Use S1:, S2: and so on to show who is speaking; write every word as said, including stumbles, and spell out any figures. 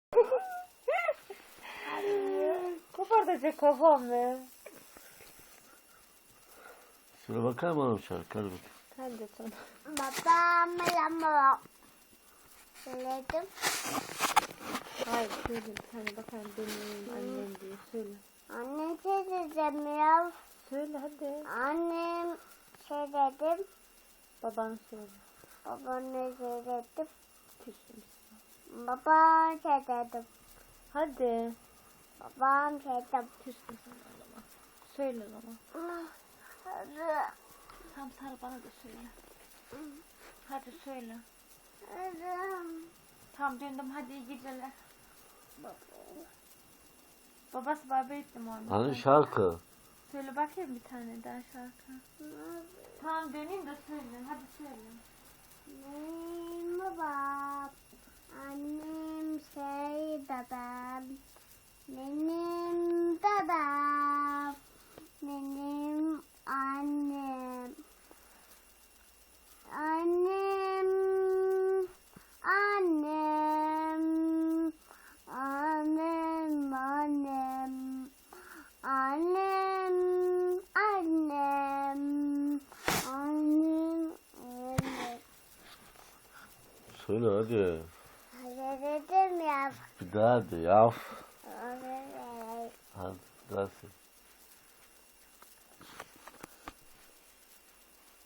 S1: Kopartacak kafamı.
S2: Şuna bakar mı oğlum şarkı? Hadi bakayım.
S1: Hadi sana.
S3: Babam lamba. Söyledim.
S1: Hayır söyle bir tane bakalım benim annem diye söyle.
S3: Anne şey dedim ya.
S1: Söyle hadi.
S3: Annem şey dedim.
S1: Baban söyle.
S3: Babana şey dedim.
S1: Küsüm.
S3: Babam şey dedim.
S1: Hadi.
S3: Babam şey dedim.
S1: Küsüm sana o zaman. Söyle o zaman. Tam sarı bana da söyle. Hadi söyle. Tamam döndüm hadi iyi geceler. Babası baba ettim onu.
S2: Hani şarkı?
S1: Söyle bakayım bir tane daha şarkı. Tamam döneyim de söyle. Hadi söyle.
S3: Benim babam, annem şey babam, benim babam, benim annem, annem, annem, annem, annem, annem, annem, annem, annem.
S2: Söyle hadi.
S3: Hadi dedim ya.
S2: Bir daha hadi ya.
S3: Evet.
S2: Hadi daha söyle.